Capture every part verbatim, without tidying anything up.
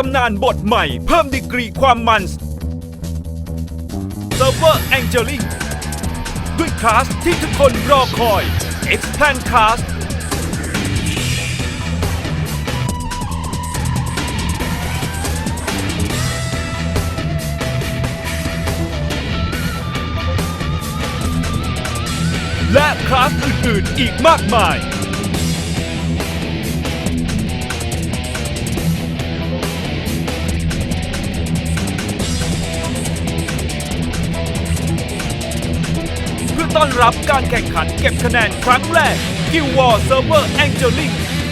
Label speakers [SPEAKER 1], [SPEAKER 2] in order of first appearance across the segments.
[SPEAKER 1] ำนานบทใหม่เพิ่มดีกรีความมันเซิร์ฟเวอร์ Angeling ด้วยคลาสที่ทุกคนรอคอย Expand Class และคลาสอื่นๆอีกมากมายเพื่อต้อนรับการแข่งขันเก็บคะแนนครั้งแรก Guild War Server Angeling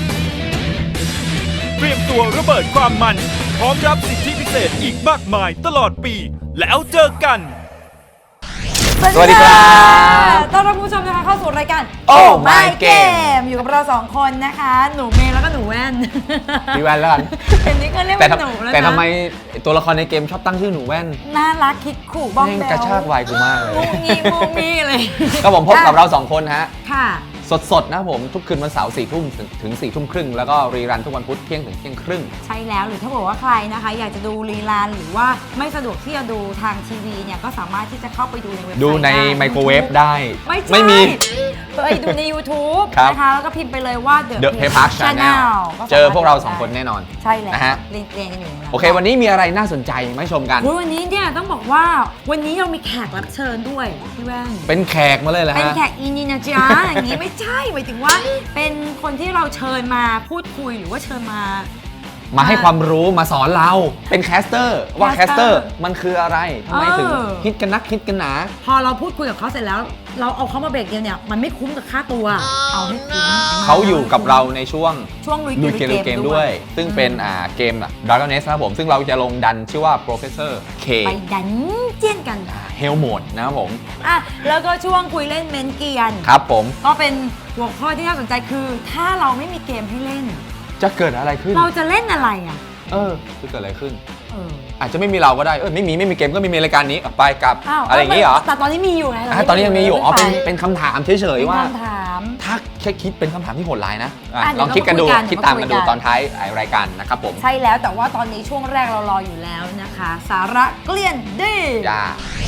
[SPEAKER 1] เตรียมตัวระเบิดความมันพร้อมรับสิทธิพิเศษอีกมากมายตลอดปีแล้วเจอกัน
[SPEAKER 2] สวัสดีครับ
[SPEAKER 3] ต้อนรับคุณผู้ชมนะคะเข้าสู่รายการ
[SPEAKER 2] Oh My Game
[SPEAKER 3] อยู่กับเราสองคนนะคะหนูเมย์แล้วก็หนูแว่น
[SPEAKER 2] พี่แว่นแล้วกัน
[SPEAKER 3] เห็นนี้ก็เรียกว่าหนูแล้วนะ
[SPEAKER 2] แต่ทำไมตัวละครในเกมชอบตั้งชื่อหนูแว่น
[SPEAKER 3] น่ารักคิดขู่บ้องแบว
[SPEAKER 2] กระชากวัยกูมากเลย
[SPEAKER 3] มูงี้มูงี้เลย
[SPEAKER 2] ก็ผมพบกับเราสองคนฮะ
[SPEAKER 3] ค่ะ
[SPEAKER 2] สดๆนะผมทุกคืนวันเสาร์สี่ทุ่มถึงสี่ทุ่มครึ่งแล้วก็รีรันทุกวันพุธเที่ยงถึงเที่ยงครึ่ง
[SPEAKER 3] ใช่แล้วหรือถ้าบอกว่าใครนะคะอยากจะดูรีรันหรือว่าไม่สะดวกที่จะดูทางทีวีเนี่ยก็สามารถที่จะเข้าไปดูในเว็บไซต์
[SPEAKER 2] ดูในไมโครเวฟได้
[SPEAKER 3] ไม่ไม่มีไปดูใน YouTube นะคะแล้วก็พิมพ์ไปเลยว่า
[SPEAKER 2] The Play Park Channel เจอพวกเราสองคนแน่นอน
[SPEAKER 3] ใช่แล้ว
[SPEAKER 2] นะฮะ
[SPEAKER 3] เรียนเรียนกันอยู่
[SPEAKER 2] โอเควันนี้มีอะไรน่าสนใจมาชมกัน
[SPEAKER 3] วันนี้เนี่ยต้องบอกว่าวันนี้เรามีแขกรับเชิญด้วยพี่แว่น
[SPEAKER 2] เป็นแขกมาเลยเหรอฮะ
[SPEAKER 3] เป็นแขกอินนี่นะจ๊ะอย่างนี้ไม่ใช่หมายถึงว่าเป็นคนที่เราเชิญมาพูดคุยหรือว่าเชิญมา
[SPEAKER 2] มาให้ความรู้มาสอนเราเป็นแคสเตอร์ว่าแคสเตอร์มันคืออะไรทำไมถึงฮิตกันนักฮิตกันหนา
[SPEAKER 3] พอเราพูดคุยกับเขาเสร็จแล้วเราเอาเขามาเบรกเดียวเนี่ยมันไม่คุ้มกับค่าตัวเอาให้คุ้ม
[SPEAKER 2] เขาอยู่กับเราในช่วง
[SPEAKER 3] ช่วงลุย
[SPEAKER 2] เกมเกมด้วยซึ่งเป็นอ่าเกม Dragon Nest นะครับผมซึ่งเราจะลงดันชื่อว่า Professor K
[SPEAKER 3] ไปดันเจียนกัน
[SPEAKER 2] เฮลโหมดนะครับผม
[SPEAKER 3] อ่ะแล้วก็ช่วงคุยเล่นเมนเกียน
[SPEAKER 2] ครับผม
[SPEAKER 3] ก็เป็นหัวข้อที่น่าสนใจคือถ้าเราไม่มีเกมให้เล่น
[SPEAKER 2] จะเกิดอะไรขึ้น
[SPEAKER 3] เราจะเล่นอะไรอ่ะ
[SPEAKER 2] เออจะเกิดอะไรขึ้นเอออาจจะไม่มีเราก็ได้เออไม่มีไม่มีเกมก็ไม่มีรายการนี้ไปกับอะไรอย่างนี้เหรอ
[SPEAKER 3] แต่ตอนนี้มีอยู่ไง
[SPEAKER 2] ตอนนี้ยังมีอยู่อ๋อเป็นเป็นคำถามเฉยๆว่า
[SPEAKER 3] คำถาม
[SPEAKER 2] ถ้าแค่คิดเป็นคำถามที่โหดร้ายนะลองคิดกันดูคิดตามกันดูตอนท้ายรายการนะครับผม
[SPEAKER 3] ใช่แล้วแต่ว่าตอนนี้ช่วงแรกเรารออยู่แล้วนะคะสาระเกลี้ยนดี
[SPEAKER 2] จ้า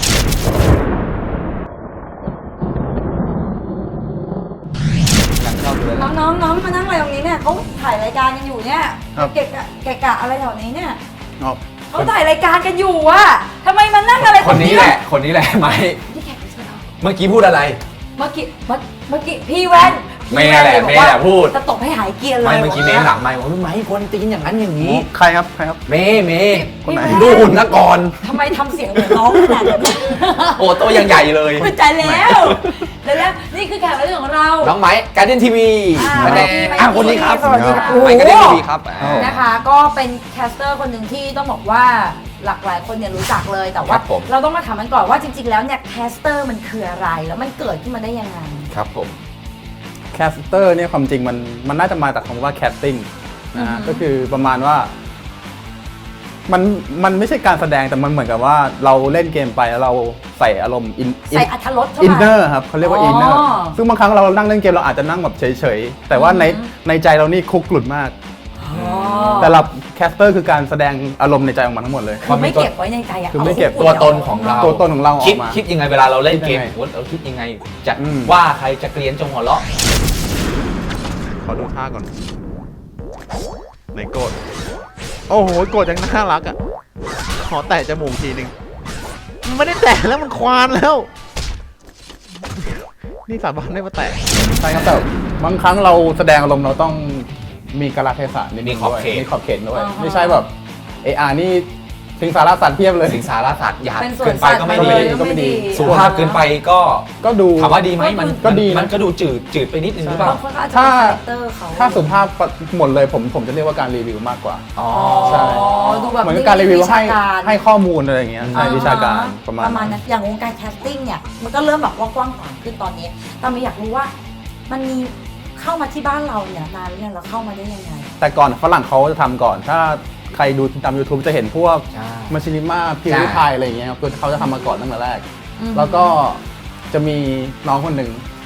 [SPEAKER 3] น้องน้องน้องมานั่งอะไรตรงนี้เนี่ยเขาถ่ายรายการกันอยู่เนี่ยเกะกะเกะกะอะไรแถวนี้เนี่ยเขาถ่ายรายการกันอยู่อะทำไมมานั่งอะไร
[SPEAKER 2] คนนี้แหละคนนี้แหละไหมเมื่อกี้พูดอะไร
[SPEAKER 3] เมื่อกี้เมื่อกี้พี่แว่น
[SPEAKER 2] เมย์แหละเมย์แหละพูด
[SPEAKER 3] จะตบให้หายเกียร์เลย
[SPEAKER 2] ไม่เมื่อกี้เมย์หลังไม่ว่าไม่คนตีนอย่างนั้นอย่างนี้
[SPEAKER 4] ใครครับใครครับ
[SPEAKER 2] เมย์เมย์คนไหนดูหุ่นนะก่อน
[SPEAKER 3] ทำไมทำเสียงเหมือนน้องขนาดนั้น
[SPEAKER 2] โอ้ตัวยังใหญ่เลย
[SPEAKER 3] เข้าใจแล้วแล้วนี่คือแขกรับเชิญของเรา
[SPEAKER 2] น้องไม้การ์เด้นทีวี
[SPEAKER 3] มาแน่
[SPEAKER 2] คนนี้ครับ
[SPEAKER 3] สวัสดีครับ
[SPEAKER 2] ไม้การ์เด้นทีวีครับ
[SPEAKER 3] นะคะก็เป็นแคสเตอร์คนหนึ่งที่ต้องบอกว่าหลากหลายคนเนี่ยรู้จักเลยแต่ว่าเราต้องมาถามกันก่อนว่าจริงๆแล้วเนี่ยแคสเตอร์มันคืออะไรแล้วมันเกิดขึ้นมาได้ยังไง
[SPEAKER 2] ครับผม
[SPEAKER 4] แคสเตอร์เนี่ยความจริงมันมันน่าจะมาจากคำว่าแคสติ้งนะฮะก็คือประมาณว่ามันมันไม่ใช่การแสดงแต่มันเหมือนกับว่าเราเล่นเกมไปแล้วเราใส่อารมณ์อิน
[SPEAKER 3] ใส่อรรถรสเข้ามา
[SPEAKER 4] อินเนอร์ครับเขาเรียกว่าอินเนอร์ซึ่งบางครั้งเรานั่งเล่นเกมเราอาจจะนั่งแบบเฉยๆแต่ว่าในในใจเรานี่คุกกลุ่นมากแต่เราแคสเตอร์คือการแสดงอารมณ์ในใจออกมาทั้งหมดเลย
[SPEAKER 3] คือไม่เก็บไว้ในใจอะ
[SPEAKER 4] คือไม่เก็บ
[SPEAKER 2] ตัวตนของเรา
[SPEAKER 4] ตัวตนของเราออกมา
[SPEAKER 2] คิดยังไงเวลาเราเล่นเกมเราคิดยังไงจะว่าใครจะเกลียนจงหัวเราะ
[SPEAKER 4] ขอดูท่าก่อนในโกดโอ้โหโกดยังน่ารักอ่ะขอแตะจมูกทีนึงมันไม่ได้แตะแล้วมันควานแล้วนี่สาบานได้มาแตะใช่ครับแต่บางครั้งเราแสดงอารมณ์เราต้องมีกาลเทศะนิดนึงด้วยมีขอบเขตด้วยไม่ใช่แบบเออานี่สิงสารสัตว์เพียบเลย
[SPEAKER 2] สิงสารสัตว์หยาบเกินไปก็ไม่ดี
[SPEAKER 4] ก็ไม่ดี
[SPEAKER 2] สุภาพเกินไปก็
[SPEAKER 4] ก็ดู
[SPEAKER 2] ถามว่าดีไหมมัน
[SPEAKER 4] ก็ดี
[SPEAKER 2] มันก็ดูจืดจืดไปนิดนึงหรือเปล่า
[SPEAKER 4] ถ้าถ้าสุภาพหมดเลยผมผมจะเรียกว่าการรีวิวมากกว่า
[SPEAKER 2] อ๋อ
[SPEAKER 4] ใช่เหมือนการรีวิวให้ให้ข้อมูลอะไรอย่างเงี้ยในวิชาการประมาณ
[SPEAKER 3] ประมาณนั้นอย่างวงการแคสติ้งเนี่ยมันก็เริ่มแบบว่ากว้างขวางขึ้นตอนนี้แต่ไม่อยากรู้ว่ามันมีเข้ามาที่บ้านเราเนี่ยนานหรือยังเราเข้ามาได้ยังไง
[SPEAKER 4] แต่ก่อนฝรั่งเขาจะทำก่อนถ้าใครดูตาม YouTube จะเห็นพวกมาชินิม่าพิวริพายอะไรอย่างเงี้ยคือเขาจะทำมาก่อนตั้งแต่แรกแล้วก็จะมีน้องคนหนึ่ง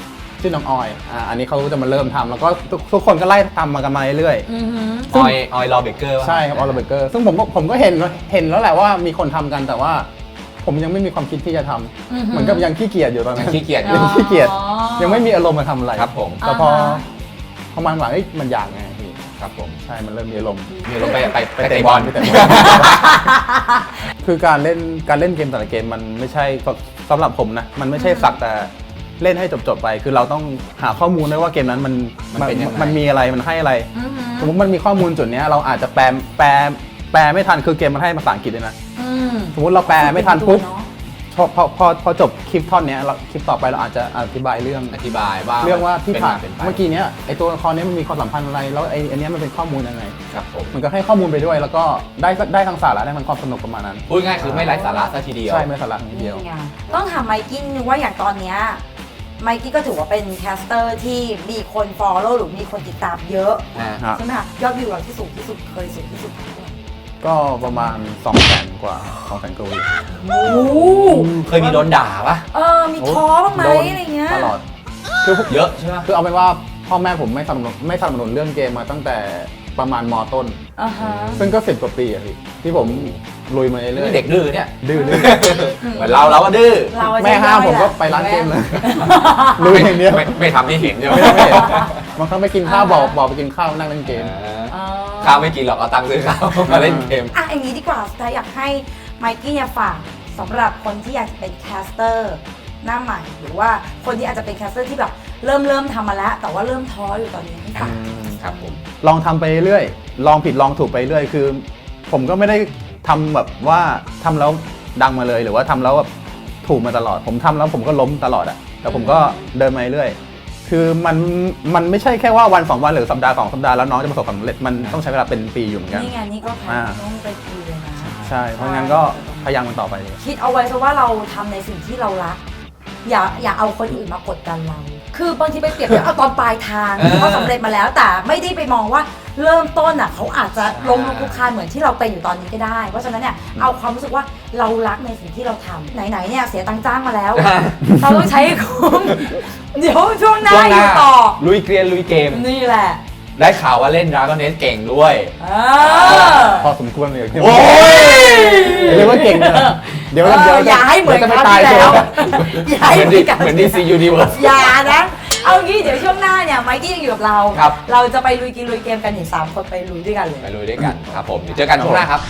[SPEAKER 4] ชื่อน้องออยอ่าอันนี้เขาจะมาเริ่มทำแล้วก็ทุกทุกคนก็ไล่ทำมากันมาเรื่อย
[SPEAKER 3] อือหือ
[SPEAKER 2] ออยออยลอเบเกอร์
[SPEAKER 4] ๆใช่ครับออลเบเกอร์ซึ่งผมก็ผมก็เห็นเห็นแล้วแหละว่ามีคนทำกันแต่ว่าผมยังไม่มีความคิดที่จะทำ
[SPEAKER 3] อือหือ
[SPEAKER 4] เหมือนกับยังขี้เกียจอยู่ตอนนั้น
[SPEAKER 2] ขี้เกียจอ
[SPEAKER 3] อ๋
[SPEAKER 2] ยู่
[SPEAKER 3] อ
[SPEAKER 4] ยังขี้เกียจยังไม่มีอารมณ์มาทำอะไร
[SPEAKER 2] ครับผม
[SPEAKER 4] แต่พอ
[SPEAKER 3] อ่าฮะ
[SPEAKER 4] พอมันหลังเอ้ยมันอยากไงพี่
[SPEAKER 2] ครับผม
[SPEAKER 4] ใช่มันเริ่มมีอารมณ์
[SPEAKER 2] มีลงไปไปไปเตะบอล
[SPEAKER 4] ไปเตะบอล คือการเล่นการเล่นเกมแต่ละเกมมันไม่ใช่สำหรับผมนะมันไม่ใช่สักแต่เล่นให้จบๆไป คือเราต้องหาข้อมูลด้วยว่าเกมนั้นมัน
[SPEAKER 2] มันเป็นยังไง
[SPEAKER 4] มันมีอะไรมันให้อะไร
[SPEAKER 3] อือหือ
[SPEAKER 4] สมมติมันมีข้อมูลจุดเนี้ยเราอาจจะแปลแปลแปลไม่ทันคือเกมมันให้ภาษาอังกฤษด้วยนะ
[SPEAKER 3] อืม
[SPEAKER 4] สมมติเราแปลไม่ทันปุ๊บ
[SPEAKER 3] เอะ
[SPEAKER 4] พอพอพอพอจบคลิปท่อนเนี้ยเราคลิปต่อไปเราอาจจะอธิบายเรื่อง
[SPEAKER 2] อธิบายว่า
[SPEAKER 4] เรื่องว่าที่ผ่าน
[SPEAKER 2] เป็นไป
[SPEAKER 4] เมื่อกี้เนี้ยไอตัวละครเนี้ยมันมีความสัมพันธ์อะไรแล้วไออันเนี้ยมันเป็นข้อมูลยังไง
[SPEAKER 2] ครับผม
[SPEAKER 4] มันก็ให้ข้อมูลไปด้วย แล้วก็ได้ได้ทั้งสาระได้ทั้งความสนุกประมาณนั้น
[SPEAKER 2] พูดง่ายคือไม่ไร้สาระซะทีเดียว
[SPEAKER 4] ใช่ไม่สาระทีเดียว
[SPEAKER 3] นี่ไงต้องถามไมกี้นึงว่าอย่างตอนเนี้ยไมกี้ก็ถือว่าเป็นแคสเตอร์ที่มีคนฟอลโล่หรือมีคนติดตามเยอะ
[SPEAKER 2] อ่า
[SPEAKER 4] ฮะ
[SPEAKER 3] ใช่ไหมคะยอดวิวเราที่สูงที่สุดเคยสูงที่สุดเท่าไหร่
[SPEAKER 4] ก็ประมาณ2องแสนกว่า2องแสนกว่าวิว
[SPEAKER 3] โอ้โห
[SPEAKER 2] เคยมีโดนด่าปะ
[SPEAKER 3] เออมีท้อบ้างไหม
[SPEAKER 4] โดน
[SPEAKER 3] อะไรเงี้ย
[SPEAKER 4] ตลอดคือ
[SPEAKER 2] เยอะใช่ไหม
[SPEAKER 4] คือเอาเป็นว่าพ่อแม่ผมไม่สนับสนุนไม่สนับสนุนเรื่องเกมมาตั้งแต่ประมาณมต้น
[SPEAKER 3] อ่าฮะ
[SPEAKER 4] ซึ่งก็สิบกว่าปีอะพี่ที่ผมลุยมาเรื่อย
[SPEAKER 2] นี่เด็กดื้อเนี่ย
[SPEAKER 4] ๆดื้อดื้อ
[SPEAKER 2] เหมือนเราเราก็ดื้อ
[SPEAKER 3] เราอะ
[SPEAKER 4] แม่ห้ามผมก็
[SPEAKER 3] ใช่
[SPEAKER 4] ไปร้านเกมเลย
[SPEAKER 3] แ
[SPEAKER 4] ลุยอย่างเดียว
[SPEAKER 2] ไม่ไม่ทำให้เห็นใช่ไหม
[SPEAKER 4] ไม่ได้ไม่เห็นบางครั้งไปกินข้าวบอกบอกไปกินข้าวนั่งเล่นเกม
[SPEAKER 3] อ๋อ
[SPEAKER 2] ข้าวไม่กินหรอกเอาตังค์ซื้อข้าวมาเล่นเกม
[SPEAKER 3] อ่ะอย่างนี้ดีกว่าสุดท้ายอยากให้ไมกี้เนี่ยฝากสำหรับคนที่อยากจะเป็นแคสเตอร์หน้าใหม่ หรือว่าคนที่อาจจะเป็นแคสเตอร์ที่แบบเริ่มเริ่มทำมาแล้ว แต่ว่าเริ่มท้ออยู่ตอนนี้ให้ฝาก
[SPEAKER 2] ครับผม
[SPEAKER 4] ลองทำไปเรื่อยลองผิดลองถูกไปเรื่อยคือ ผมก็ไม่ได้ทำแบบว่าทำแล้วดังมาเลยหรือว่าทำแล้วแบบถูกมาตลอด ผมทำแล้วผมก็ล้มตลอดอะแต่ผมก็เดินมาเรื่อยคือมันมันไม่ใช่แค่ว่าวันสองวันหรือสัปดาห์สองสัปดาห์แล้วน้องจะประสบความสำเร็จมันต้องใช้เวลาเป็นปีอยู่เหมือนกัน
[SPEAKER 3] นี่ไงนี่ก็แค่ต้องไปคุยเลยนะ
[SPEAKER 4] ใช่เพราะงั้นก็พยายามมันต่อไปเลย
[SPEAKER 3] คิดเอาไว้ซะว่าเราทำในสิ่งที่เรารัก อย่าอย่าเอาคนอื่นมากดดันเรา คือบางทีไปเปรียบเทียบเอาตอนปลายทาง
[SPEAKER 2] เออ
[SPEAKER 3] เขาสำเร็จมาแล้ว แต่ไม่ได้ไปมองว่าเริ่มต้นอ่ะเขาอาจจะล้มลุกคลุกคลานเหมือนที่เราเป็นอยู่ตอนนี้ก็ได้ เพราะฉะนั้นเนี่ยเอาความรู้สึกว่าเรารักในสิ่งที่เราทำไหนๆเนี่ยเสียตังค์จ้างมาแล้ว เราต้องใช้ให้คุ้มเดี๋ยวช่วงหน้า
[SPEAKER 2] ช่วงห
[SPEAKER 3] อ
[SPEAKER 2] น้า
[SPEAKER 3] ยู่ต่อ
[SPEAKER 2] ลุยเกรียนลุยเกม
[SPEAKER 3] นี่แหละ
[SPEAKER 2] ได้ข่าวว่าเล่น Dragon Age เก่งด้วย
[SPEAKER 3] เออ
[SPEAKER 4] พอสมควรเลย
[SPEAKER 2] โอ้ย
[SPEAKER 4] เรียกว่าเก่งเลยเดี๋ยว
[SPEAKER 3] เอ
[SPEAKER 4] เดี๋ยว
[SPEAKER 3] ออย่าให้เหมือน
[SPEAKER 4] ดี๋ยว
[SPEAKER 3] ค
[SPEAKER 4] จะ
[SPEAKER 3] ราว
[SPEAKER 4] ไม่ตาย
[SPEAKER 3] ที่
[SPEAKER 4] ตั
[SPEAKER 3] แล้ว
[SPEAKER 4] ว
[SPEAKER 3] อย่าให้
[SPEAKER 2] เหมือน
[SPEAKER 3] เหมื
[SPEAKER 2] ดี
[SPEAKER 3] อนกัน
[SPEAKER 2] เหมือนดีซียูนิเวิร์ส
[SPEAKER 3] อย่านะ เอางี้เดี๋ยวช่วงหน้าเนี่ยไมกี้ยังอยู่กับเรา
[SPEAKER 2] ครับ
[SPEAKER 3] เราจะไปลุยกินลุยเกมกันอีกสามคนไปลุยด้วยกันเลย
[SPEAKER 2] ไปลุยด้วยกันครับผมเดี๋ยวเจอกันช่วงหน้าครับ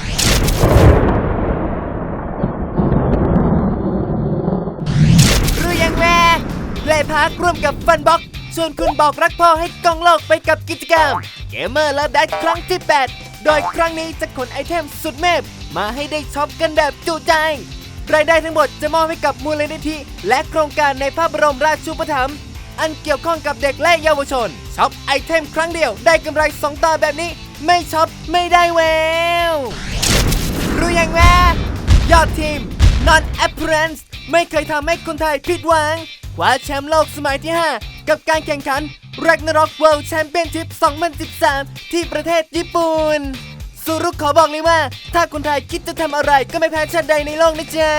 [SPEAKER 5] รู้ยังแม่เพลย์พาร์คร่วมกับฟันบ็อกชวนคุณบอกรักพ่อให้กองโลกไปกับกิจกรรมเกมเมอร์และดัดครั้งที่ แปด โดยครั้งนี้จะขนไอเทมสุดเมพมาให้ได้ช็อปกันแบบจุใจ รายได้ทั้งหมดจะมอบให้กับมูลนิธิ และโครงการในพระบรมราชูปถัมภ์อันเกี่ยวข้องกับเด็กและเยาวชนช็อปไอเทมครั้งเดียวได้กำไรสองต่อแบบนี้ไม่ช็อปไม่ได้แวว รู้ยังแม่ยอดทีม Non Appearance ไม่เคยทำให้คนไทยผิดหวังคว้าแชมป์โลกสมัยที่ ห้า กับการแข่งขัน Ragnarok World Championship สองพันสิบสาม ที่ประเทศญี่ปุ่นสุรุขขอบอกเลยว่า ถ้าคนไทยคิดจะทำอะไรก็ไม่แพ้ชาติใดในโลกนะจ๊ะ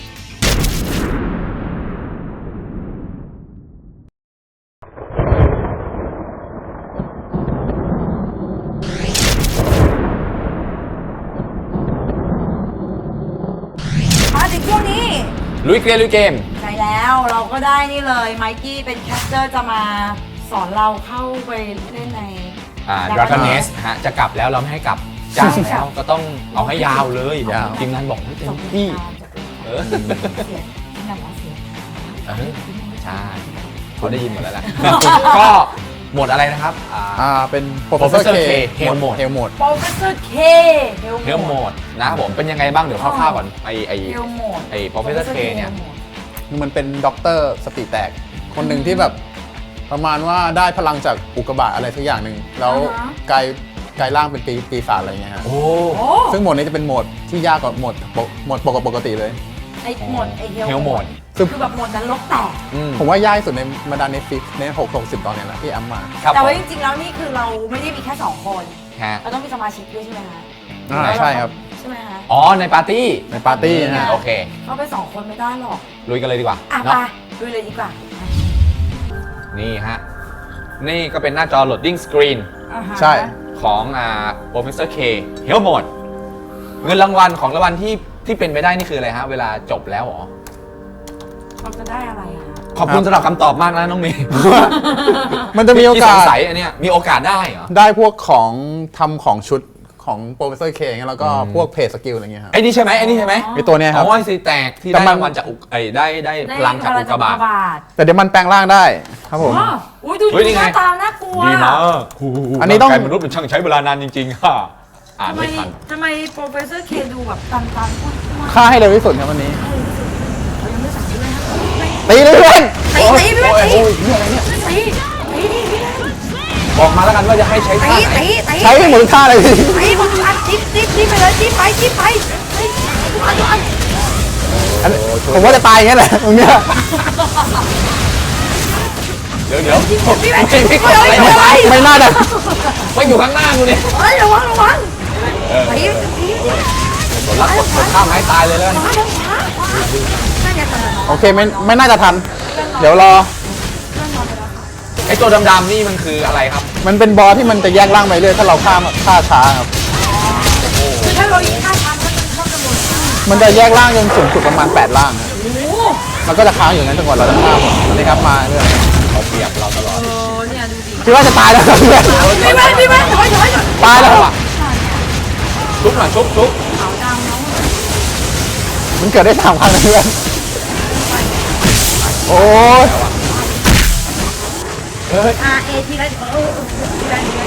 [SPEAKER 3] มาถึงช่วงนี้
[SPEAKER 2] ลุยเกรียนลุยเกม
[SPEAKER 3] ใช่แล้วเราก็ได้นี่เลยไมกี้เป็นแคสเตอร์จะมาสอนเราเข้าไปเล่นใน
[SPEAKER 2] อ่า
[SPEAKER 3] Dragon
[SPEAKER 2] Dragon
[SPEAKER 3] Age
[SPEAKER 2] Age ฮะจะกลับแล้วเราไม่ให้กลับจ้าง
[SPEAKER 3] ใช่
[SPEAKER 2] แล้วก็ต้องเอาให้ยาวเลย
[SPEAKER 4] ยาว
[SPEAKER 2] ทีมงานบอกให้เต็
[SPEAKER 3] ส่
[SPEAKER 2] ม
[SPEAKER 3] ง
[SPEAKER 2] ที่
[SPEAKER 3] จาก
[SPEAKER 2] เออ
[SPEAKER 3] เสียงที่นำมาเสียง
[SPEAKER 2] เออใช่เขาได้ยินหมดแล้วแหละ ก็หมดอะไรนะครับอ่า
[SPEAKER 4] อ่าเป็น
[SPEAKER 2] Professor
[SPEAKER 4] Professor
[SPEAKER 2] K
[SPEAKER 4] K
[SPEAKER 2] Hell Mode
[SPEAKER 4] Hell Mode
[SPEAKER 3] โปรเฟสเซอร์เค
[SPEAKER 2] เฮลโหมดนะครับผมเป็นยังไงบ้างเดี๋ยวคร่าวๆก่อนไอไอ
[SPEAKER 3] เฮลโหมด
[SPEAKER 2] ไอ้ Professor K เนี่ย
[SPEAKER 4] คือมันเป็นด็อกเตอร์สติแตก คนหนึ่งที่แบบประมาณว่าได้พลังจากอุกกาบาตอะไรสักอย่างหนึ่งแล้วกลายกลายร่างเป็นปีปีศาจอะไรเงี้ยฮะ
[SPEAKER 2] โอ้
[SPEAKER 3] โอ้
[SPEAKER 4] ซึ่งโหมดนี้จะเป็นโหมดที่ยากกว่าโหมดปกโหมดปกปกติเลย
[SPEAKER 3] ไอโหมดไอเฮ
[SPEAKER 2] เฮลโหมด
[SPEAKER 3] คือแบบโหมดนั้นลกแตก
[SPEAKER 2] อืม
[SPEAKER 4] ผมว่ายากที่สุดในบรรดาเน็ตฟิกในหกหกสิบตอนเนี้ยแหละที่แอมมา
[SPEAKER 2] ครับ
[SPEAKER 3] แต่
[SPEAKER 2] ผม
[SPEAKER 3] ว่าจริงๆแล้วนี่คือเราไม่ได้มีแค่สองคน
[SPEAKER 2] ฮะ
[SPEAKER 3] เราต้องมีสมาชิกด้วยใช่ไหมคะ
[SPEAKER 4] อ่าใช่ครับ
[SPEAKER 3] ใช่ไหมคะ
[SPEAKER 2] อ๋อในปาร์ตี้
[SPEAKER 4] ในปาร์ตี้นะฮะ
[SPEAKER 2] โอเค
[SPEAKER 3] เข้าไปสองคนไม่ได้หรอก
[SPEAKER 2] ลุยกันเลยดีกว่า
[SPEAKER 3] อ่ะ
[SPEAKER 2] เนาะ
[SPEAKER 3] ไปดูเลยดีกว่า
[SPEAKER 2] นี่ฮะ นี่ก็เป็นหน้าจอ loading screen
[SPEAKER 3] อ่าฮะ
[SPEAKER 4] ใช่
[SPEAKER 2] ของอ่า Professor K Health Mode เงินรางวัลของรางวัลที่ที่เป็นไปได้นี่คืออะไรฮะ เวลาจบแล้วเหรอ
[SPEAKER 3] เราจะได้อะไรอะ
[SPEAKER 2] ขอบคุณสำหรับคำตอบมากนะน้องเมย์
[SPEAKER 4] มันจะมีโอกา
[SPEAKER 2] ที่
[SPEAKER 4] ส
[SPEAKER 2] สงสัยอันเนี้ยมีโอกาสได้เหรอ
[SPEAKER 4] ได้พวกของทำของชุดของโปรเฟสเซอร์เคอย่างเงี้ยแล้วก็พวกเพจสกิลอะไรเงี้ยครับ
[SPEAKER 2] ไอ้นี่ใช่ไหมไอ้นี่ใช่ไหม
[SPEAKER 4] ไอตัวเนี้ยครับ
[SPEAKER 2] อ๋อไอ้สีแตกที่
[SPEAKER 4] แต่
[SPEAKER 2] ได้
[SPEAKER 4] มัน
[SPEAKER 2] รางวัลจากอุกไอ้ได้ได้พลังจากอุกกาบาต
[SPEAKER 3] ต
[SPEAKER 4] แต่เดี๋ยวมันแปลงร่างได้ครับผม
[SPEAKER 3] อ๋ออุ้ยดู
[SPEAKER 2] เฮ้ย
[SPEAKER 3] ดู
[SPEAKER 2] นี่
[SPEAKER 3] ห
[SPEAKER 2] ไง
[SPEAKER 3] น้าตาน่ากลัว
[SPEAKER 2] ดีมาก
[SPEAKER 4] อันนี้ต้อง
[SPEAKER 2] ร่ากายมนุษย์มันช่างใช้เวลานานจริงๆค่ะอ่าน
[SPEAKER 3] ทำไม
[SPEAKER 2] ไม่ทัน
[SPEAKER 3] ทำไมโปรเฟสเซอร์เคดูแบบตันตันพูดพูด
[SPEAKER 4] ฆ่าให้เร็วที่สุดครับวันนี้
[SPEAKER 3] เขายังไม่สั่งด้วยนะ
[SPEAKER 4] ตีเลยเพื่อน
[SPEAKER 3] ตีตีพี่แม่ตี
[SPEAKER 2] โอ้ยนี่อะไรเนี่ย
[SPEAKER 3] ตีตีดิพี่แม่
[SPEAKER 2] บอกมาแล้วกันว่าจะให้ใช้
[SPEAKER 3] ตี
[SPEAKER 2] ท่าไหน
[SPEAKER 3] ตีตี
[SPEAKER 4] ใช้ให้หมดท่าเลยพี่
[SPEAKER 3] ตีหมดทุกอันจิ๊บจิ๊บจิ๊บไปเลยจิ๊บไปจิ๊บไปเฮ้ยทุกอันทุกอัน
[SPEAKER 4] อันนี้ผมว่าจะตายอย่างเงี้ยแหละตรงเนี้ย
[SPEAKER 2] เดี๋ยวเดี๋ยว
[SPEAKER 3] พี่แม่
[SPEAKER 2] ไม่ไม่
[SPEAKER 3] เฮ้ย
[SPEAKER 2] ไม่
[SPEAKER 3] เฮ้ย
[SPEAKER 2] ไม่
[SPEAKER 3] เฮ้ย
[SPEAKER 4] ไม่น่าจะ
[SPEAKER 2] ไม่อยู่ข้างหน้ากูเนี่ย
[SPEAKER 3] เฮ้ยระวังระวังตีตีตี
[SPEAKER 2] กดรับกดกดข้ามให้ตายเลยแล้วกัน
[SPEAKER 3] ขวาขวาขวาน่าจะตัน
[SPEAKER 4] โอเคไม่ไม่น่าจะทัน เดี๋ยวรอ
[SPEAKER 2] ไอ้ตัวดำๆนี่มันคืออะไรครับ
[SPEAKER 4] มันเป็นบอสที่มันจะแยกร่างไปเรื่อยถ้าเราฆ่าฆ่าช้าครับ
[SPEAKER 3] คือถ้าเรายิงฆ่าทันก็จะเข้าจำนวนฆ่า
[SPEAKER 4] มันจะแยกร่างจนสูงสุดประมาณแปดร่างครับ
[SPEAKER 3] โอ้โห
[SPEAKER 4] มันก็จะค้างอยู่นั้นจนกว่าเราจะฆ่าหมดนี่ครับมาเรื่อย
[SPEAKER 2] เขาเปรียบเราตลอด
[SPEAKER 3] โอ้เนี่ยดูดิ
[SPEAKER 4] คิดว่าจะตายแล้วครับเพื่อน
[SPEAKER 3] พี่แม่พี่แม่ถอยถอยถอย
[SPEAKER 4] ตายแล้วครับ
[SPEAKER 2] ชุบหน่อยชุบชุบ
[SPEAKER 3] ขาวดำน้อง
[SPEAKER 4] มันเกิดได้สามครั้งเลยเพื่อนโอ้ย
[SPEAKER 3] อาเอทีไรเออทีไรทีไร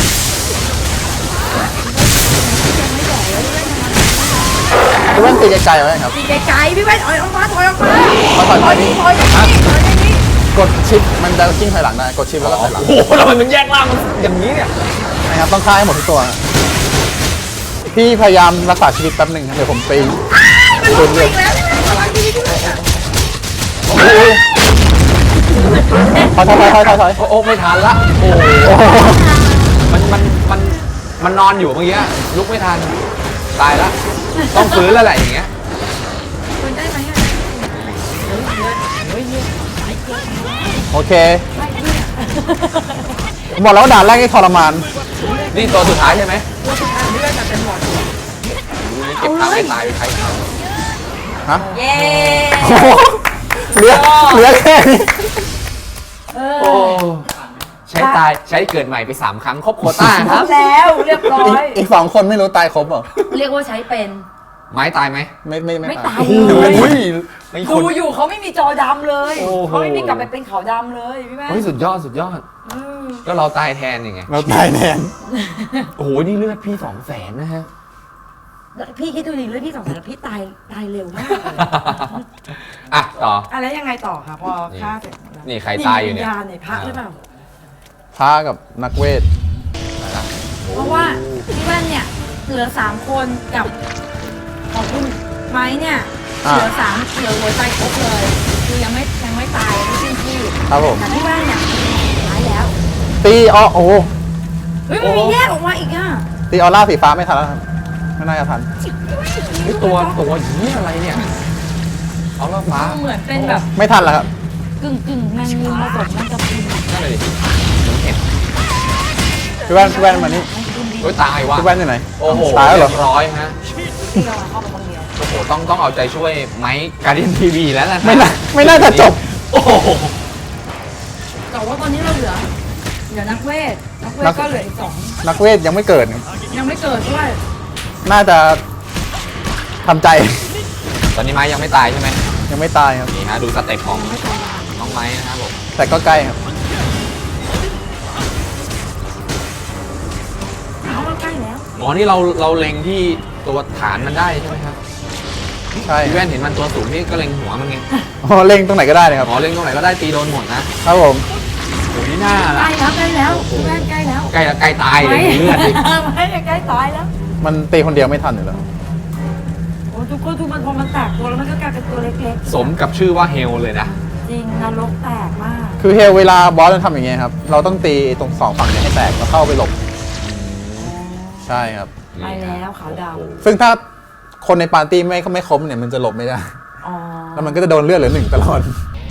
[SPEAKER 4] พี่แว่นตีไกลๆไว้ครับ
[SPEAKER 3] ตีไกลๆพี่แม่ถอยออกมาถอยออกมา
[SPEAKER 4] ถอยถอยถอยนี่
[SPEAKER 3] ถอยถอยถอยนี่
[SPEAKER 4] กดชิปมันจะกิ้งถอยหลังได้กดชิปแล้วก็ถอยหลัง
[SPEAKER 2] โอ้โหแล้วมันแยกร่างมันอย่างนี้เนี่ย
[SPEAKER 4] นะครับต้องฆ่าให้หมดทุกตัวนะพี่พยายามรักษาชีวิตแป๊บหนึ่งครับเดี๋ยวผมตี
[SPEAKER 3] มันลงอีกแล้วอะไรที่พี่แม่
[SPEAKER 4] ถอยถอยถอยถอยถอยถอย
[SPEAKER 2] โอ้โอ้ไม่ทันละโอ้โหมันมันมันมันนอนอยู่เมื่อกี้ลุกไม่ทันตายละต้องฟื้นแล้วแหละอย่างเงี้ย
[SPEAKER 3] คุณได้ไหมอ่ะ
[SPEAKER 4] โอเคผมบอกแล้วว่าด่านแรกนี่ทรมาน
[SPEAKER 2] นี่ตัวสุดท้ายใช่ไหม
[SPEAKER 3] ตัวสุดท้ายเลือดจะเป็นหมด
[SPEAKER 2] เก็บตังค์ให้ตายไปใคร
[SPEAKER 4] ฮะ
[SPEAKER 3] เย้
[SPEAKER 4] เหลือเหลือแค่นี้
[SPEAKER 3] เอ
[SPEAKER 2] โอ้
[SPEAKER 3] อ
[SPEAKER 2] ใช้ตายใช้เกิดใหม่ไปสามครั้งครบโควต้าครับ
[SPEAKER 3] แล้วเรียบร้อ
[SPEAKER 4] อีก
[SPEAKER 3] ย
[SPEAKER 4] อีกสองคนไม่รู้ตายครบเหรอ
[SPEAKER 3] เรียกว่าใช้เป็น
[SPEAKER 2] ไม้ตายไหม
[SPEAKER 4] ไม่ไม่
[SPEAKER 3] ไม่
[SPEAKER 4] ไม่
[SPEAKER 3] ตาย
[SPEAKER 4] โอ้
[SPEAKER 3] เลย
[SPEAKER 4] โห
[SPEAKER 2] ไม่ค
[SPEAKER 3] ดู
[SPEAKER 2] น
[SPEAKER 3] อยู่เขาไม่มีจอดำเลย
[SPEAKER 2] โอ้โห
[SPEAKER 3] เขาไม่มีกลับไปเป็นขาวดำเลยพี่แม่
[SPEAKER 2] เฮ้ยสุดยอดสุดยอด
[SPEAKER 3] เออ
[SPEAKER 2] ก็เราตายแทนยังไง
[SPEAKER 4] เราตายแทน
[SPEAKER 2] โอ้โหนี่เลือดพี่สองแสนนะฮะ
[SPEAKER 3] พี่คิดดูดิเลยพี่สองสารพี่ตายตายเร็วมากเลย
[SPEAKER 2] อ่ะต่อ
[SPEAKER 3] อะไรยังไงต่อคะพอฆ่าเสร็จแล้ว
[SPEAKER 2] นี่ใครตายอยู่เนี่ย
[SPEAKER 3] วิญญาณในพระหรือเปล่า
[SPEAKER 4] ท้ากับนักเวท
[SPEAKER 3] เพราะว่าพี่แว่นเนี่ยเหลือสามคนกับของคุณไม้เนี่ยเหลือสามเหลือหัวใจครบเลยคือยังไม่ยังไม่ตายไม่สิ้นที่
[SPEAKER 4] ครับผม
[SPEAKER 3] แต่พี่แว่นเนี่ยตายแล้ว
[SPEAKER 4] ตีอ๋อโอ้โห
[SPEAKER 3] เฮ้ยมันมีแยกออกมาอีกอ่ะ
[SPEAKER 4] ตีออร่าสีฟ้าไม่ทันแล้วครับไม่น่าจะทัน
[SPEAKER 2] นี่ตัวตัวนี้อะไรเนี่ยเอาละฟ้า
[SPEAKER 3] เหมือนเป็นแบบ
[SPEAKER 4] ไม่ทันแล้วครับ
[SPEAKER 3] กึ่งกึ่งแมงมุมผสมแมงกะพรุน
[SPEAKER 2] นั่นเลยผมเห็น
[SPEAKER 4] พี่แว่นพี่แว่นมานี่
[SPEAKER 3] แมงกะพรุนดี
[SPEAKER 2] โอ้ยตายว่ะ
[SPEAKER 4] พี่แว่นอยู่ไหน
[SPEAKER 2] โอ้โห
[SPEAKER 4] ตายแล้วเหร
[SPEAKER 2] เรี
[SPEAKER 4] อย
[SPEAKER 2] บร้อยฮะ
[SPEAKER 3] ที่เราเข้าไปคนเดียว
[SPEAKER 2] โอ้โหต้องต้องเอาใจช่วยไมค์การ์เดียนทีวีแล้วนะ
[SPEAKER 4] ไม่น่าไม่น่าจะจบ
[SPEAKER 2] โอ้โห
[SPEAKER 3] แต่ว่าตอนนี้เราเหลือเหลือนักเวทนักเวท
[SPEAKER 4] นัก
[SPEAKER 3] ก็เหลืออีกสอง
[SPEAKER 4] นักเวทยังไม่เกิดครับ
[SPEAKER 3] ยังไม่เกิดด้วย
[SPEAKER 4] น่าจะทำใจ
[SPEAKER 2] ตอนนี้ไม้ยังไม่ตายใช่ไหม
[SPEAKER 4] ยังไม่ตายครับ
[SPEAKER 2] นี่ฮะดูสเต็ปของน้องไม้นะครับผม
[SPEAKER 4] แต่ก็ใกล้ครับ
[SPEAKER 3] เขาก็ใกล้แล้ว
[SPEAKER 2] อ๋อนี่เราเราเล็งที่ตัวฐานมันได้ใช่ไหมครับ
[SPEAKER 4] ใช่
[SPEAKER 2] พี่แว่นเห็นมันตัวสูงนี่ก็เล็งหัวมันไง
[SPEAKER 4] อ๋อเล็งตรงไหนก็ได้เลยครับ
[SPEAKER 2] อ๋อเล็งตรงไหนก็ได้ตีโดนหมดนะครับ
[SPEAKER 4] ผม
[SPEAKER 2] โอ้โหนี่หน้า
[SPEAKER 3] ใก
[SPEAKER 2] ละ
[SPEAKER 3] ล้แล้วใกล้แล้วพี่แว่นใกล้แล้ว
[SPEAKER 2] ใกล้ใกล้ตายเลยดูเลือดดิ
[SPEAKER 3] ไม่ใกล้ตายแล้ว
[SPEAKER 4] มันตีคนเดียวไม่ทันอยู่แล้ว
[SPEAKER 3] โอ้ทุกคนทุกมันพอมันแตกตัวแล้วมันก็กลายเป็นตัวเล็ก
[SPEAKER 2] สมกับชื่อว่าเฮลเลยนะ
[SPEAKER 3] ๆ จริงนรกแตกมาก
[SPEAKER 4] คือเฮลเวลาบอสมันทำอย่างเงี้ยครับ เราต้องตีตรงสองฝั่งเนี่ยให้แตกแล้วเข้าไปหลบ ใช่ครับ
[SPEAKER 3] ไปแล้วขาวด
[SPEAKER 4] ซึ่งถ้าคนในปาร์ตี้ไม่ไม่ครบเนี่ยมันจะหลบไม่ได้
[SPEAKER 3] ำอ๋อ
[SPEAKER 4] แล้วมันก็จะโดนเลือดเหลือหนึ่งตลอด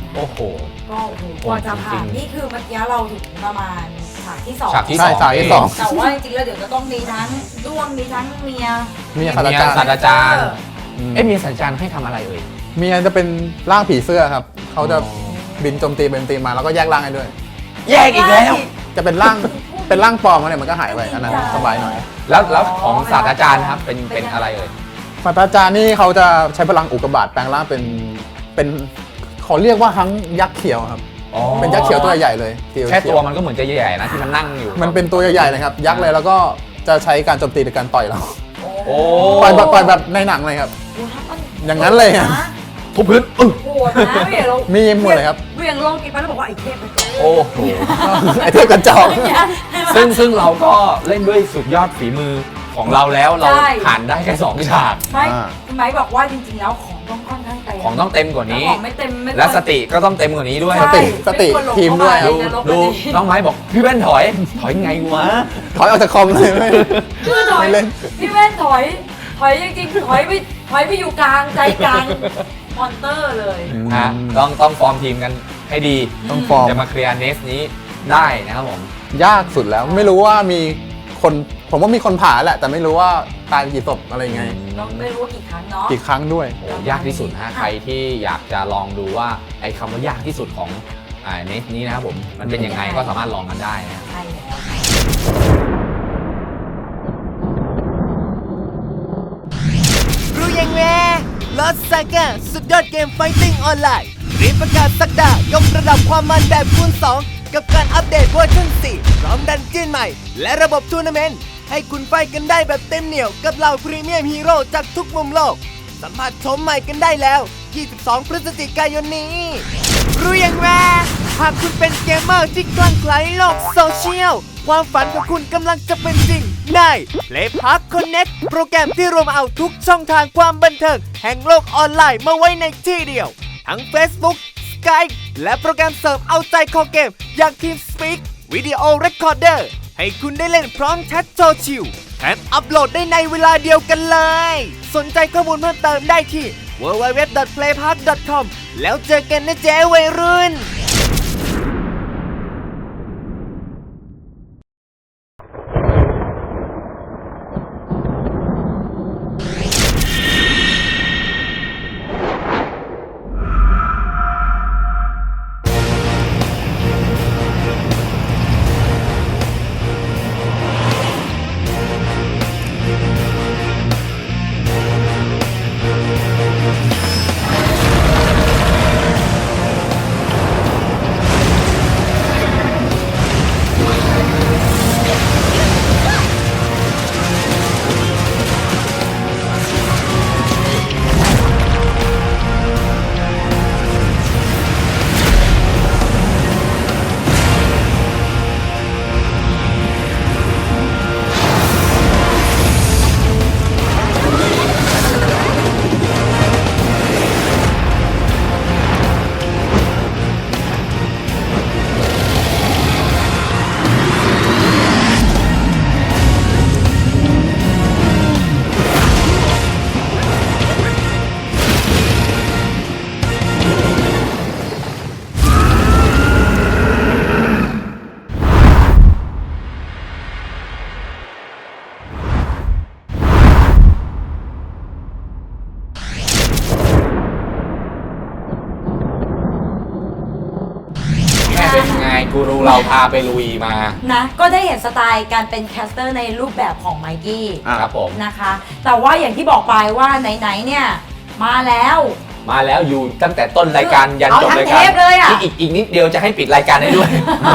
[SPEAKER 2] โอ้โห
[SPEAKER 3] ก็โอ้โหกว่าจะผ่านนี่คือเมื่อกี้เราถึงประมาณฉากที่สอง
[SPEAKER 2] ฉากที่
[SPEAKER 4] ใช่
[SPEAKER 2] สอง
[SPEAKER 4] ฉากที่สอง
[SPEAKER 3] แต่ว่าจริงๆแล้วเดี๋ยวจะต้องมีทั้งด้วงมีทั้งเมีย
[SPEAKER 4] เมีย
[SPEAKER 2] เมียศาสตราจารย์
[SPEAKER 4] อืม
[SPEAKER 2] เอ๊ะเมียศาสตราจารย์ให้ทำอะไรเอ่ย
[SPEAKER 4] เมียจะเป็นร่างผีเสื้อครับเขาจะ
[SPEAKER 2] อ๋อ
[SPEAKER 4] บินโจมตีเป็นตีมาแล้วก็แยกร่างให้ด้วย
[SPEAKER 2] แยกอีกแล้ว
[SPEAKER 4] จะเป็นร่างเป็นร่างปลอมอะไรมันก็หายไปอันนั้นสบายหน่อย
[SPEAKER 2] แล้วแล้วของศาสตราจารย์ครับเป็นเป็นอะไรเอ่ย
[SPEAKER 4] ศาสตราจารย์นี่เขาจะใช้พลังอุกกาบาตแปลงร่างเป็นเป็นเขาเรียกว่าทั้งยักษ์เขียวครับ
[SPEAKER 2] อ๋อ
[SPEAKER 4] เป็นยักษ์เขียวตัวใหญ่เลยเขีย
[SPEAKER 2] แค่ตัว
[SPEAKER 4] เขีย
[SPEAKER 2] มันก็เหมือนจะใหญ่ๆนะที่มันนั่งอยู่
[SPEAKER 4] มันเป็นตัวใหญ่ๆเลยครับ ยักษ์เลยแล้วก็จะใช้การโจมตีในการต่อยเรา
[SPEAKER 2] โอ้
[SPEAKER 4] ต่อยแบบต่อยแบบในหนังเลยครับ อย่างนั้นเลยอะ
[SPEAKER 2] ทุบพื้นอึ้ง
[SPEAKER 3] โหดนะเหวี่ยงลง
[SPEAKER 4] มีหมดเลยครับ
[SPEAKER 3] เหวี่ยงลงกินไปแล้วบอกว่าไอ้เทพไปก่อน
[SPEAKER 2] โอ้โห
[SPEAKER 4] ไอเทพกระจอก
[SPEAKER 2] ซึ่งซึ่งเราก็เล่นด้วยสุดยอดฝีมือของเราแล้วเราผ่านได้แค่สองฉาก
[SPEAKER 3] ไม่
[SPEAKER 4] อ่า
[SPEAKER 3] คุณไม้บอกว่าจริงๆแล้วของต้องค่อนข้างเต็ม
[SPEAKER 2] ของต้องเต็มกว่านี้
[SPEAKER 3] ของไม่เต็มไม่
[SPEAKER 2] และสติก็ต้องเต็มกว่านี้ด้วย
[SPEAKER 3] ใช่
[SPEAKER 4] สติสติ
[SPEAKER 3] ไม่ควรหลง
[SPEAKER 4] ทีมด้วย
[SPEAKER 3] เข้า
[SPEAKER 2] ดู
[SPEAKER 3] ไปในนรก
[SPEAKER 2] ดู
[SPEAKER 3] พอดี
[SPEAKER 2] น้องไม้บอกพี่แว่นถอย ถอยไงวะ
[SPEAKER 4] ถอยออกจากคอมเลยไม่
[SPEAKER 3] คือถอย
[SPEAKER 4] ไม่เล่น
[SPEAKER 3] พี่แว่นถอยถอยจริงๆถอยไปถอยไปอยู่กลางใจกลางมอนเตอร์เลย
[SPEAKER 2] ฮะต้องต้องฟอร์มทีมกันให้ดี
[SPEAKER 4] ต้องฟอร์ม
[SPEAKER 2] จะมาเคลียร์เนสนี้ได้นะครับผม
[SPEAKER 4] ยากสุดแล้วไม่รู้ว่ามีคนผมว่ามีคนผ่าแหละ แต่ไม่รู้ว่าตายกี่ศพอะไรยังไง
[SPEAKER 3] เราไม่รู้ว่ากี่ครั้งเนาะ
[SPEAKER 4] กี่ครั้งด้วย
[SPEAKER 2] โอ้ยากที่สุดฮะใครที่อยากจะลองดูว่าไอ้คำว่ายากที่สุดของอ่าเนสนี้นะครับผมมันเป็นยังไงก็สามารถลองกันได้นะ
[SPEAKER 3] ใช่แล้ว
[SPEAKER 5] รู้ยังแม่ลอสซาก้าสุดยอดเกมไฟติ้งออนไลน์รีบประกาศสักดายกระดับความมันแบบคูณสองกับการอัปเดตเวอร์ชันสี่พร้อมดันเจี้ยนใหม่ และระบบทัวร์นาเมนต์ให้คุณไฟกันได้แบบเต็มเหนียวกับเหล่าพรีเมียมฮีโร่จากทุกมุมโลก สัมผัสชมใหม่กันได้แล้ว ยี่สิบสอง พฤศจิกายนนี้ รู้ยังแม่หากคุณเป็นเกมเมอร์ที่คลั่งไคล้โลกโซเชียล ความฝันของคุณกำลังจะเป็นจริงใน Play Park Connect โปรแกรมที่รวมเอาทุกช่องทางความบันเทิงแห่งโลกออนไลน์มาไว้ในที่เดียว ทั้ง Facebook Skype และโปรแกรมเสริมเอาใจคอเกมอย่าง TeamSpeak Video Recorder ให้คุณได้เล่นพร้อมแชทโซชิลแถมอัปโหลดได้ในเวลาเดียวกันเลย สนใจข้อมูลเพิ่มเติมได้ที่ ดับเบิลยู ดับเบิลยู ดับเบิลยู ดอท เพลย์พาร์ค ดอท คอม แล้วเจอกันนะเจ๊วัยรุ่น
[SPEAKER 2] แม่เป็นไงกูรูเราพาไปลุยมา
[SPEAKER 3] นะก็ได้เห็นสไตล์การเป็นแคสเตอร์ในรูปแบบของไมกี้
[SPEAKER 4] อ่ะ
[SPEAKER 2] ครับผม
[SPEAKER 3] นะคะ แต่ว่าอย่างที่บอกไปว่าไหนๆเนี่ยมาแล้ว
[SPEAKER 2] มาแล้วอยู่ตั้งแต่ต้นรายการยันจบรายการ
[SPEAKER 3] เอาทั้งเทปเลยอะ
[SPEAKER 2] ที่อีกอีกนิดเดียวจะให้ปิดรายการได้ด้วย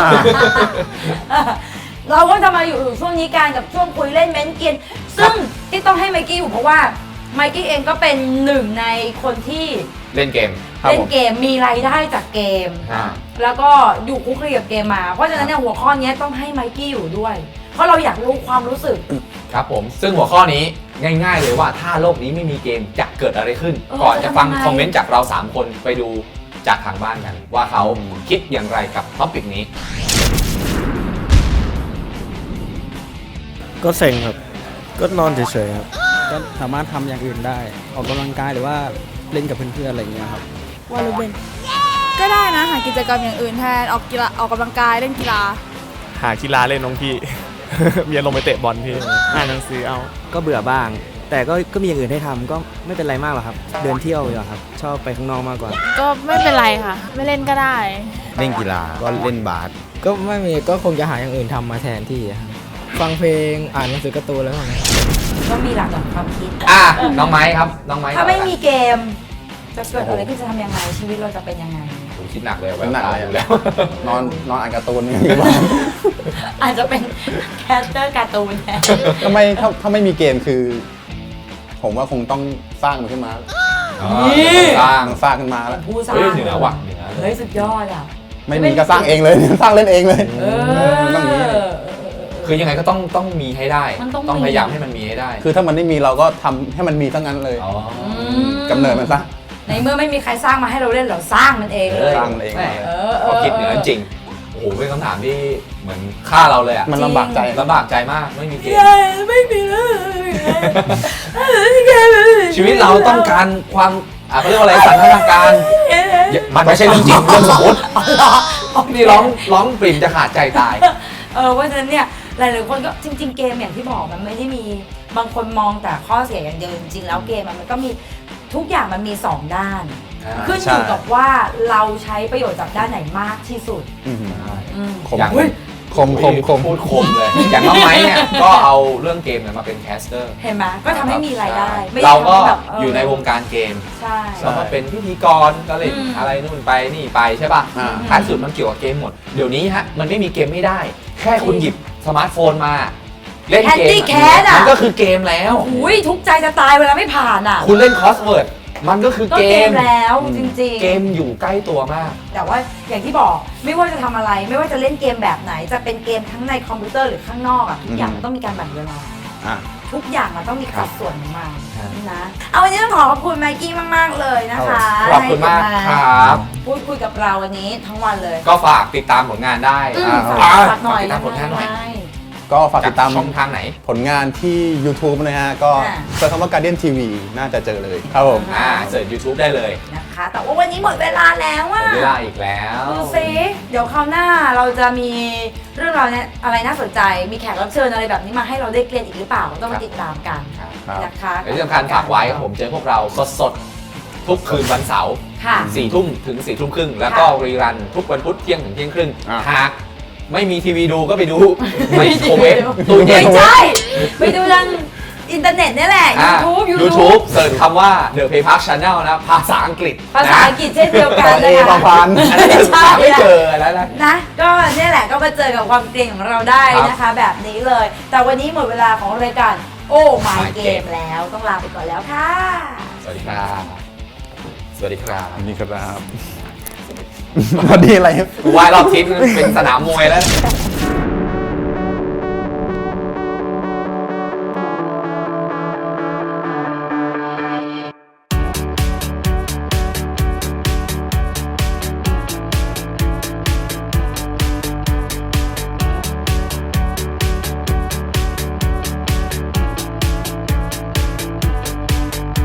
[SPEAKER 3] เราก็จะมาอยู่ช่วงนี้กันกับช่วงคุยเล่นเม้นกิน ซึ่งที่ต้องให้ไมกี้อยู่เพราะว่าไมกี้เองก็เป็นหนึ่งในคนที่
[SPEAKER 2] เล่นเกม
[SPEAKER 4] ครับ
[SPEAKER 3] เล่น
[SPEAKER 4] ผม
[SPEAKER 3] เกมมีรายได้จากเกม
[SPEAKER 2] อ่า
[SPEAKER 3] แล้วก็อยู่คุกคีกับเกมมา เพราะฉะนั้นเนี่ยหัวข้อนี้ต้องให้ไมกี้อยู่ด้วย เพราะเราอยากรู้ความรู้สึก
[SPEAKER 2] ครับผมซึ่งหัวข้อนี้ง่ายๆเลยว่าถ้าโลกนี้ไม่มีเกมจะเกิดอะไรขึ้น
[SPEAKER 3] เออ
[SPEAKER 2] ก่อนจะฟัง
[SPEAKER 3] จะทำไง
[SPEAKER 2] คอมเมนต์จากเราสามคนไปดูจากทางบ้านกัน ว่าเขาคิดอย่างไรกับท็อปิกนี้
[SPEAKER 6] ก็เซ็งครับ ก็นอนเฉยๆครับ
[SPEAKER 7] ก็สามารถทำอย่างอื่นได้ ออกกำลังกายหรือว่าเล่นกับเพื่อนๆอะไรอย่างเงี้ยครับ
[SPEAKER 3] วอลเลย์บอล
[SPEAKER 7] ก็ได้นะหากิจกรรมอย่างอื่นแทนออกกีฬาออกกำลังกายเล่นกีฬา
[SPEAKER 6] หากีฬาเล่นน้องพี่ เมียลงไปเตะบอลพี่อ่านหนังสือเอา
[SPEAKER 8] ก็เบื่อบ้าง แต่ก็ก็มีอย่างอื่นให้ทำก็ไม่เป็นไรมากหรอกครับ เดินเที่ยวอยู่ครับ ชอบไปข้างนอกมากกว่า
[SPEAKER 7] ก็ไม่เป็นไรค่ะ ไม่เล่นก็ได้
[SPEAKER 6] เล่นกีฬาก็เล่นบาส
[SPEAKER 8] ก็ไม่มีก็คงจะหาอย่างอื่นทำมาแทนที่ครับฟังเพลงอ่านหนังสือการ์ตูนแล้วกัน
[SPEAKER 3] ก็มีหลากหลายความคิด
[SPEAKER 2] อ่ะน้องไม้ครับน้องไม้
[SPEAKER 3] ถ้าไม่มีเกม จะเกิดอะไรขึ้นจะทำยังไงชีวิตเราจะเป็นยังไง
[SPEAKER 2] ผมคิดหนักเลย
[SPEAKER 4] คิดหนักเลย
[SPEAKER 2] อยู่แล้ว
[SPEAKER 4] นอนนอนอ่านการ์ตูนอย่างนี้บ้าง
[SPEAKER 3] อาจจะเป็นแคสเตอร์การ์ตูนแทน
[SPEAKER 4] ทำไมถ้าถ้าไม่มีเกมคือ ผมว่าคงต้องสร้างมันขึ้นมา
[SPEAKER 2] สร้าง
[SPEAKER 4] สร้างขึ้นมาแล้ว
[SPEAKER 3] ผู้สร้าง
[SPEAKER 2] เฮ้ยเหนือว่ะเหนือ
[SPEAKER 3] เฮ้ยสุดยอดอ่ะ
[SPEAKER 4] ไม่มีก็สร้างเองเลย สร้างเล่นเองเลย
[SPEAKER 3] เอ
[SPEAKER 4] มันต้องอย่างนี้
[SPEAKER 3] อ
[SPEAKER 2] คือยังไงก็ต้องต้องมีให้ได้
[SPEAKER 3] มันต้องมี
[SPEAKER 2] พยายามให้มันมีให้ได้
[SPEAKER 4] คือถ้ามันไม่มีเราก็ทำให้มันมีทั้งนั้นเลย
[SPEAKER 2] อ๋อ
[SPEAKER 4] กำเนิดมันซะ
[SPEAKER 3] ในเมื่อไม่มีใครสร้างมาให้เราเล่นเราสร้างมันเองเลย
[SPEAKER 4] สร้างมันเอง
[SPEAKER 2] แหม
[SPEAKER 3] เออเออ
[SPEAKER 2] พอคิดเหนือจริงโอ้โหเป็นคำถามที่เหมือนฆ่าเราเลยอะ
[SPEAKER 4] มันลำบากใจ
[SPEAKER 2] ลำบากใจมากไม่มีเกม
[SPEAKER 3] ไม่มีเลย
[SPEAKER 2] ชีวิตเราต้องการความอ่ะเขาเรียกว่าอะไรสันทนาการมันไม่ใช่เรื่องจริงเรื่องสมมตินี่ร้องร้องปริ่มจะขาดใจตาย
[SPEAKER 3] เออเพราะฉะนั้นเนี่ยหลายๆคนก็จริง ๆ เกมอย่างที่บอกมันไม่ได้มีบางคนมองแต่ข้อเสียอย่างเดียวจริงๆแล้วเกมมันก็มีทุกอย่างมันมีสองด้าน
[SPEAKER 2] อ่า
[SPEAKER 3] ขึ้นอยู่กับว่าเราใช้ประโยชน์จากด้านไหนมากที่สุด
[SPEAKER 4] อืม
[SPEAKER 3] อืม
[SPEAKER 4] คม
[SPEAKER 2] อย่าง
[SPEAKER 4] คมคมคม
[SPEAKER 2] พูดคมเลย อย่างน้องไม้เนี่ยก็เอาเรื่องเกมเนี่ยมาเป็นแคสเตอร์
[SPEAKER 3] เห็นไหมก็ทำให้มีรายได้ไม่
[SPEAKER 2] เราก็
[SPEAKER 3] ทำแบบเ
[SPEAKER 2] อยู่ในวงการเกม
[SPEAKER 3] ใช่
[SPEAKER 2] เราก็เป็นพิธีกรก็เล่น
[SPEAKER 3] อืม
[SPEAKER 2] อะไรนู่นไปนี่ไปใช่ป่ะ
[SPEAKER 4] อ่า
[SPEAKER 2] ท้ายสุดมันเกี่ยวกับเกมหมด เดี๋ยวนี้ฮะมันไม่มีเกมไม่ได้ แค่คุณหยิบสมาร์ทโฟนมา เล่นเกม
[SPEAKER 3] Candy Crush อะ
[SPEAKER 2] มันก็คือเกมแล้ว
[SPEAKER 3] อุ้ยทุกข์ใจจะตายเวลาไม่ผ่านอ่ะ
[SPEAKER 2] คุณเล่นคอสเวิร์ดมันก็คือ
[SPEAKER 3] ก็
[SPEAKER 2] เก
[SPEAKER 3] เก
[SPEAKER 2] ม
[SPEAKER 3] มแล้วจริงๆ
[SPEAKER 2] เกมอยู่ใกล้ตัวมาก
[SPEAKER 3] แต่ว่าอย่างที่บอกไม่ว่าจะทำอะไร ไม่ว่าจะเล่นเกมแบบไหน จะเป็นเกมทั้งในคอมพิวเตอร์หรือข้างนอกอ่ะทุกอย่างมันต้องมีการแบ่งเวลา
[SPEAKER 4] อ่ะ
[SPEAKER 3] ทุกอย่างมันต้องมีสัดส่วนของมัน
[SPEAKER 2] ครับ
[SPEAKER 3] นะเอาวันนี้ต้องขอขอบคุณไมกี้มากๆเลยนะคะ
[SPEAKER 2] ขอบคุณมากครับ
[SPEAKER 3] พูดคุยกับเราวันนี้ทั้งวันเลย
[SPEAKER 2] ก็ฝากติดตามผลงานได้
[SPEAKER 3] อืม
[SPEAKER 2] อ่า
[SPEAKER 3] ฝาก
[SPEAKER 2] อ่า
[SPEAKER 3] ฝากหน่อย
[SPEAKER 2] ติดตามผลงานหน่อย
[SPEAKER 3] ได้
[SPEAKER 4] ก็ฝากติดตาม
[SPEAKER 2] ช่องทางไหน
[SPEAKER 4] ผลงานที่ YouTube นะฮะ ก็
[SPEAKER 3] อ่า
[SPEAKER 4] เซิร์ชคำว่า Guardian ที วี น่าจะเจอเลยครับผม
[SPEAKER 2] อ่าเสิร์ช YouTube ได้เลย
[SPEAKER 3] นะคะ แต่ว่าวันนี้หมดเวลาแล้ว
[SPEAKER 2] หม
[SPEAKER 3] อ่ะ
[SPEAKER 2] ดเวลาอีกแล้ว
[SPEAKER 3] ดูซิเดี๋ยวคราวหน้าเราจะมีเรื่องราวเนี่ยอะไรน่าสนใจ มีแขกรับเชิญอะไรแบบนี้มาให้เราได้เกรียนอีกหรือเปล่าต้องมาติดตามกัน
[SPEAKER 2] ครับ
[SPEAKER 3] นะคะ
[SPEAKER 2] และที่สำคัญฝากไว้ครับผมเจอพวกเราสดๆ ทุกคืนวันเสาร์
[SPEAKER 3] ค่ะ
[SPEAKER 2] สี่ทุ่มถึงสี่ทุ่มครึ่งแล้วก็รีรันทุกวันพุธเที่ยงถึงเที่ยงครึ่ง
[SPEAKER 4] อ่า
[SPEAKER 2] หากไม่มีทีวีดูก็ไปดูไมโครเวฟตู้เย็
[SPEAKER 3] ไม่
[SPEAKER 2] น
[SPEAKER 3] ใช่ ไปดูทางอินเทอร์เน็ตนี่แหละ
[SPEAKER 2] อ่า
[SPEAKER 3] YouTube
[SPEAKER 2] YouTube
[SPEAKER 3] YouTube
[SPEAKER 2] เสิร์ชคำว่า The Play Park Channel นะภาษาอังกฤษ
[SPEAKER 3] ภาษาอังกฤษเช่นเดียวกัน
[SPEAKER 4] เอ
[SPEAKER 3] นะคะ
[SPEAKER 4] ประพันธ์
[SPEAKER 2] อันนั้นหาไม่เจอแล้วนะ
[SPEAKER 3] นะ ก็เนี่ยแหละก็มาเจอกับความเกรงของเราได้นะคะ แบบนี้เลย แต่วันนี้หมดเวลาของรายการโอ้ my
[SPEAKER 2] My
[SPEAKER 3] game
[SPEAKER 2] Game
[SPEAKER 3] แล้วต้องลาไปก่อนแล้วค่ะ
[SPEAKER 2] สวัสดีครับ สวัสดีครับ
[SPEAKER 4] นี่ครับ พอดีอะไร
[SPEAKER 2] กูว่ายรอบทิศเป็นสนามมวยแล้ว